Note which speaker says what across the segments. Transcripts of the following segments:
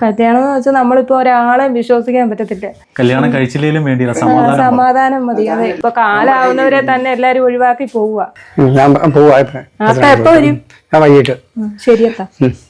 Speaker 1: കല്യാണം എന്ന് വെച്ചാൽ നമ്മളിപ്പോ ഒരാളെ വിശ്വസിക്കാൻ പറ്റത്തില്ല.
Speaker 2: കല്യാണം കഴിച്ചില്ലേലും വേണ്ടിയില്ല,
Speaker 1: സമാധാനം മതി. അതെ, ഇപ്പൊ കാലാവുന്നവരെ തന്നെ എല്ലാരും ഒഴിവാക്കി പോവുക. അത്ത എപ്പോ വരും?
Speaker 3: വൈകിട്ട്.
Speaker 1: ശരിയത്താ.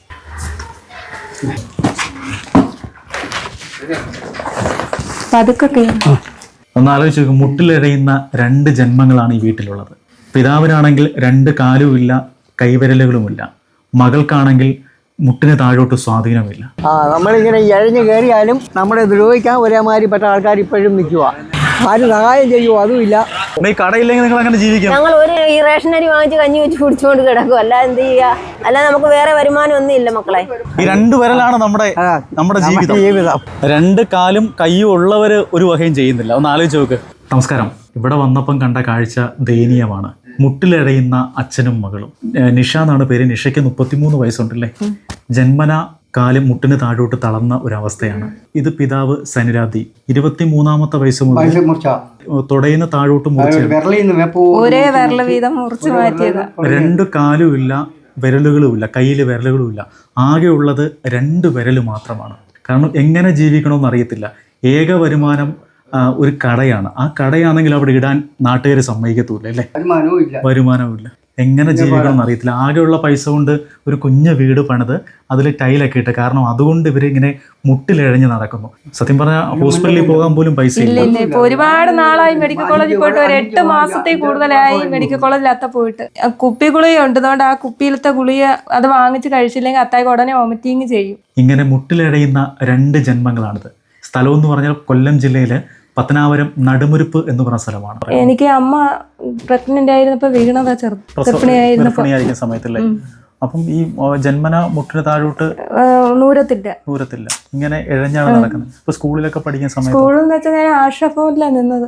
Speaker 1: പതുക്കെ
Speaker 2: ഒന്ന് ആലോചിച്ച് നോക്കും, മുട്ടിലെഴയുന്ന 2 ജന്മങ്ങളാണ് ഈ വീട്ടിലുള്ളത്. പിതാവിനാണെങ്കിൽ 2 കാലുമില്ല, കൈവിരലുകളുമില്ല. മകൾക്കാണെങ്കിൽ മുട്ടിന് താഴോട്ട് സ്വാധീനമില്ല.
Speaker 3: നമ്മളിങ്ങനെ ഇഴഞ്ഞു കയറിയാലും നമ്മളെ ദ്രോഹിക്കാൻ ഒരേമാതിരിപ്പെട്ട ആൾക്കാർ ഇപ്പോഴും നിൽക്കുക. ആരും സഹായം ചെയ്യുമോ അതുമില്ല.
Speaker 2: കടയില്ലെങ്കിൽ നിങ്ങൾ അങ്ങനെ ജീവിക്കാം.
Speaker 4: ഞങ്ങൾ ഒരു ഈ റേഷനരി വാങ്ങിച്ച് കഞ്ഞി വെച്ച് കുടിച്ചുകൊണ്ട് കിടക്കും. അല്ല എന്ത് ചെയ്യുക? അല്ല നമുക്ക് വേറെ വരുമാനം ഒന്നും ഇല്ല മക്കളെ.
Speaker 2: ഈ 2 വിരലാണ് നമ്മുടെ ജീവിതം. 2 കാലും കയ്യും ഉള്ളവര് ഒരു വകയും ചെയ്യുന്നില്ല. ഒന്ന് ആലോചിച്ച് നോക്ക്. നമസ്കാരം. ഇവിടെ വന്നപ്പം കണ്ട കാഴ്ച ദയനീയമാണ്. മുട്ടിലെഴയുന്ന അച്ഛനും മകളും. നിഷ എന്നാണ് പേര്. നിഷയ്ക്ക് 33 വയസ്സുണ്ടല്ലേ. ജന്മന കാലും മുട്ടിന് താഴോട്ട് തളർന്ന ഒരവസ്ഥയാണ്. ഇത് പിതാവ് സനിരാദി. 23-ാമത്തെ വയസ്സ് മുതൽ തുടയുന്ന താഴോട്ട്
Speaker 1: ഒരേ വിരൽ വീതം മുറിച്ച് മാറ്റിയതാ.
Speaker 2: 2 കാലുമില്ല, വിരലുകളുമില്ല, കയ്യിൽ വിരലുകളുമില്ല. ആകെ ഉള്ളത് 2 വിരൽ മാത്രമാണ്. കാരണം എങ്ങനെ ജീവിക്കണമെന്ന് അറിയത്തില്ല. ഏക വരുമാനം ഒരു കടയാണ്. ആ കടയാണെങ്കിൽ അവിടെ ഇടാൻ നാട്ടുകാർ സമ്മതിക്കത്തൂല്ല അല്ലേ. വരുമാനമില്ല. എങ്ങനെ ജീവിക്കണം എന്നറിയത്തില്ല. ആകെയുള്ള പൈസ കൊണ്ട് ഒരു കുഞ്ഞു വീട് പണിത് അതിൽ ടൈലൊക്കെ ഇട്ട്. കാരണം അതുകൊണ്ട് ഇവരിങ്ങനെ മുട്ടിലിഴഞ്ഞ് നടക്കുന്നു. സത്യം പറഞ്ഞാൽ ഹോസ്പിറ്റലിൽ പോകാൻ പോലും പൈസ ഇല്ല.
Speaker 1: ഇപ്പൊ ഒരുപാട് നാളായി മെഡിക്കൽ കോളേജിൽ പോയിട്ട്. ഒരു 8 മാസത്തിൽ കൂടുതലായി മെഡിക്കൽ കോളേജിൽ അത്ത പോയിട്ട്. കുപ്പി ഗുളിക ഉണ്ട്. അതുകൊണ്ട് ആ കുപ്പിയിലത്തെ ഗുളിക അത് വാങ്ങിച്ച് കഴിച്ചില്ലെങ്കിൽ അത്തായിക്ക് ഉടനെ വോമിറ്റിങ് ചെയ്യും.
Speaker 2: ഇങ്ങനെ മുട്ടിലിഴയുന്ന 2 ജന്മങ്ങളാണിത്. സ്ഥലം എന്ന് പറഞ്ഞാൽ കൊല്ലം ജില്ലയിലെ പത്തനാപുരം നടുമുരുപ്പ് എന്ന് പറഞ്ഞ സ്ഥലമാണ്.
Speaker 1: എനിക്ക് അമ്മ പ്രഗ്നന്റ് ആയിരുന്നപ്പോ വീണതാ.
Speaker 2: ഗർഭിണിയായിരിക്കുന്ന സമയത്തല്ലേ. അപ്പം ഈ ജന്മന മുട്ടിന് താഴോട്ട് നൂരത്തില്ല. ഇങ്ങനെ ഇഴഞ്ഞാണ് നടക്കുന്നത്. ഇപ്പൊ സ്കൂളിലൊക്കെ പഠിക്കുന്ന സമയത്ത്,
Speaker 1: സ്കൂളിൽ വെച്ചാൽ ഞാൻ ആശാഭവനിലാണ് നിന്നത്.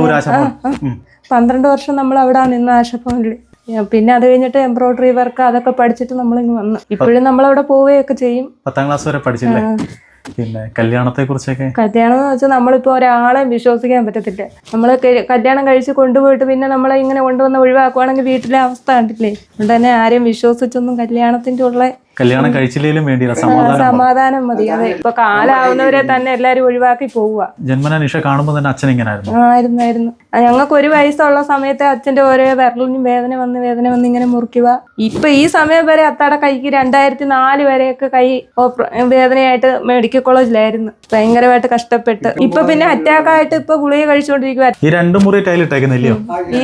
Speaker 1: 12 വർഷം നമ്മൾ അവിടെ നിന്ന് ആശാഭവനിൽ. പിന്നെ അത് കഴിഞ്ഞിട്ട് എംബ്രോയിഡറി വർക്ക് അതൊക്കെ പഠിച്ചിട്ട് നമ്മളിങ്ങ് വന്നു. ഇപ്പോഴും നമ്മളവിടെ പോവുകയൊക്കെ ചെയ്യും.
Speaker 2: 10ാം ക്ലാസ് വരെ പഠിച്ചില്ലേ. പിന്നെ കല്യാണത്തെ കുറിച്ചൊക്കെ,
Speaker 1: കല്യാണം എന്ന് വെച്ചാൽ നമ്മളിപ്പോ ഒരാളെ വിശ്വസിക്കാൻ പറ്റത്തില്ല. നമ്മള് കല്യാണം കഴിച്ച് കൊണ്ടുപോയിട്ട് പിന്നെ നമ്മളെ ഇങ്ങനെ കൊണ്ടുവന്ന് ഒഴിവാക്കുവാണെങ്കിൽ വീട്ടിലെ അവസ്ഥ കണ്ടില്ലേ. അതുകൊണ്ട് തന്നെ ആരെയും വിശ്വസിച്ചൊന്നും കല്യാണത്തിന്റെ ഉള്ള
Speaker 2: കല്യാണം കഴിച്ചില്ലേലും വേണ്ടിയില്ല,
Speaker 1: സമാധാനം മതി. അതെ, ഇപ്പൊ കാലാവുന്നവരെ തന്നെ എല്ലാരും ഒഴിവാക്കി പോവുക.
Speaker 2: ജന്മന നിഷ കാണുമ്പോ തന്നെ അച്ഛൻ ഇങ്ങനെ
Speaker 1: ആയിരുന്നു. ഞങ്ങൾക്ക് 1 വയസ്സുള്ള സമയത്ത് അച്ഛന്റെ ഓരോ വിരലിനും വേദന വന്ന് ഇങ്ങനെ മുറിക്കുക. ഇപ്പൊ ഈ സമയം വരെ അത്താടെ കൈക്ക് 2004 വരെയൊക്കെ കൈ വേദനയായിട്ട് മെഡിക്കൽ കോളേജിലായിരുന്നു. ഭയങ്കരമായിട്ട് കഷ്ടപ്പെട്ട് ഇപ്പൊ പിന്നെ അറ്റാക്കായിട്ട് ഇപ്പൊ ഗുളിക കഴിച്ചുകൊണ്ടിരിക്കുക.
Speaker 2: ഈ 2 മുറി ടൈലിട്ടേക്കുന്നില്ലയോ?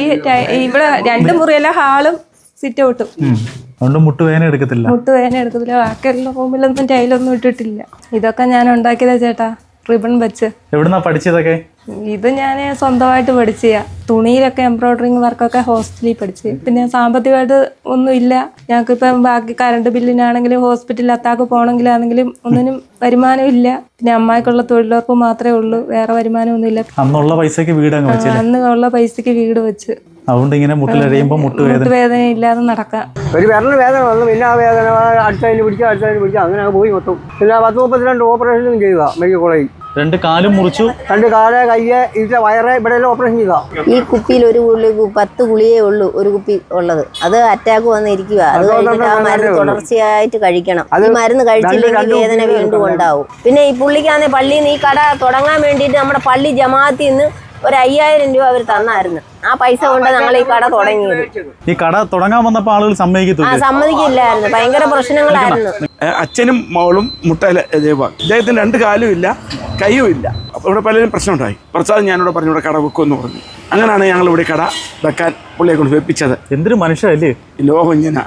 Speaker 1: ഇവിടെ 2 മുറിയല്ല, ഹാളും സിറ്റ് ഔട്ടും.
Speaker 2: മുട്ടുവേദന എടുക്കത്തില്ല.
Speaker 1: ബാക്കിയുള്ള റൂമിലൊന്നും ടൈലൊന്നും ഇട്ടിട്ടില്ല. ഇതൊക്കെ ഞാൻ ഉണ്ടാക്കിയതാ ചേട്ടാ, റിബൺ വെച്ച്.
Speaker 2: എവിടുന്നാ പഠിച്ചതൊക്കെ?
Speaker 1: ഇത് ഞാൻ സ്വന്തമായിട്ട് പഠിച്ച. തുണിയിലൊക്കെ എംബ്രോയിഡറിങ് വർക്കൊക്കെ ഹോസ്റ്റലിൽ പഠിച്ച്. പിന്നെ സാമ്പത്തികമായിട്ട് ഒന്നും ഇല്ല ഞങ്ങൾക്കിപ്പം. ബാക്കി കറണ്ട് ബില്ലിനാണെങ്കിലും ഹോസ്പിറ്റലിൽ അത്താക്ക് പോകണമെങ്കിലാണെങ്കിലും ഒന്നിനും വരുമാനം ഇല്ല. പിന്നെ അമ്മായിക്കുള്ള തൊഴിലുറപ്പ് മാത്രമേ ഉള്ളൂ, വേറെ വരുമാനം ഒന്നും ഇല്ല.
Speaker 2: അന്നുള്ള പൈസക്ക് വീട്
Speaker 1: അന്നുള്ള പൈസക്ക് വീട് വെച്ച്.
Speaker 2: അതുകൊണ്ട് ഇങ്ങനെ മുട്ടിലഴിയുമ്പോൾ
Speaker 1: മുട്ടുവേദന ഇല്ലാതെ നടക്കാം.
Speaker 3: ഒരു വിരലിന് വേദന വന്നു, പിന്നെ ആ വേദന അടുത്തതിന് പിടിക്കുക അങ്ങനെ പോയി മൊത്തം. പിന്നെ 10-32 ഓപ്പറേഷനും ചെയ്യുക മെഡിക്കൽ കോളേജിൽ.
Speaker 2: 2 കാലും മുറിച്ചു,
Speaker 3: 2 കാല്, കയ്യ്, ഇതിലെ വയറ്, ഇവിടെ എല്ലാം ഓപ്പറേഷൻ ചെയ്താ.
Speaker 4: ഈ കുപ്പിയിൽ ഒരു 10 ഗുളിയേ ഉള്ളൂ, ഒരു കുപ്പി ഉള്ളത്. അത് അറ്റാക്ക് വന്നിരിക്കുക. അത് കഴിഞ്ഞിട്ട് ആ മരുന്ന് തുടർച്ചയായിട്ട് കഴിക്കണം. ഈ മരുന്ന് കഴിച്ചില്ലെങ്കിൽ വേദന വീണ്ടും ഉണ്ടാവും. പിന്നെ ഈ പുള്ളിക്കാന്നെ പള്ളിയിൽ നിന്ന് ഈ കട തുടങ്ങാൻ വേണ്ടിയിട്ട് നമ്മുടെ പള്ളി ജമാഅത്തിൽ നിന്ന് ഒരു 5000 രൂപ അവർ തന്നായിരുന്നു. ആ പൈസ കൊണ്ട് ഞങ്ങൾ ഈ കട തുടങ്ങിയത്.
Speaker 2: ഈ കട തുടങ്ങാൻ വന്നപ്പോൾ ആളുകൾ
Speaker 4: സമ്മതിക്കില്ലായിരുന്നു. ഭയങ്കര പ്രശ്നങ്ങളായിരുന്നു.
Speaker 5: അച്ഛനും മകളും മുട്ടയിലെ ഇദ്ദേഹത്തിന് 2 കാലും ഇല്ല, കൈയും ഇല്ല. അപ്പോൾ ഇവിടെ പലരും പ്രശ്നമുണ്ടായി. പ്രസാദ് ഞാനിവിടെ പറഞ്ഞു ഇവിടെ കട വെക്കുമെന്ന് പറഞ്ഞു. അങ്ങനെയാണ് ഞങ്ങൾ ഇവിടെ കട വെക്കാൻ പുള്ളിയെ കൊണ്ട് വെപ്പിച്ചത്.
Speaker 2: എന്തൊരു മനുഷ്യല്ലേ.
Speaker 5: ലോകം ഇങ്ങനെ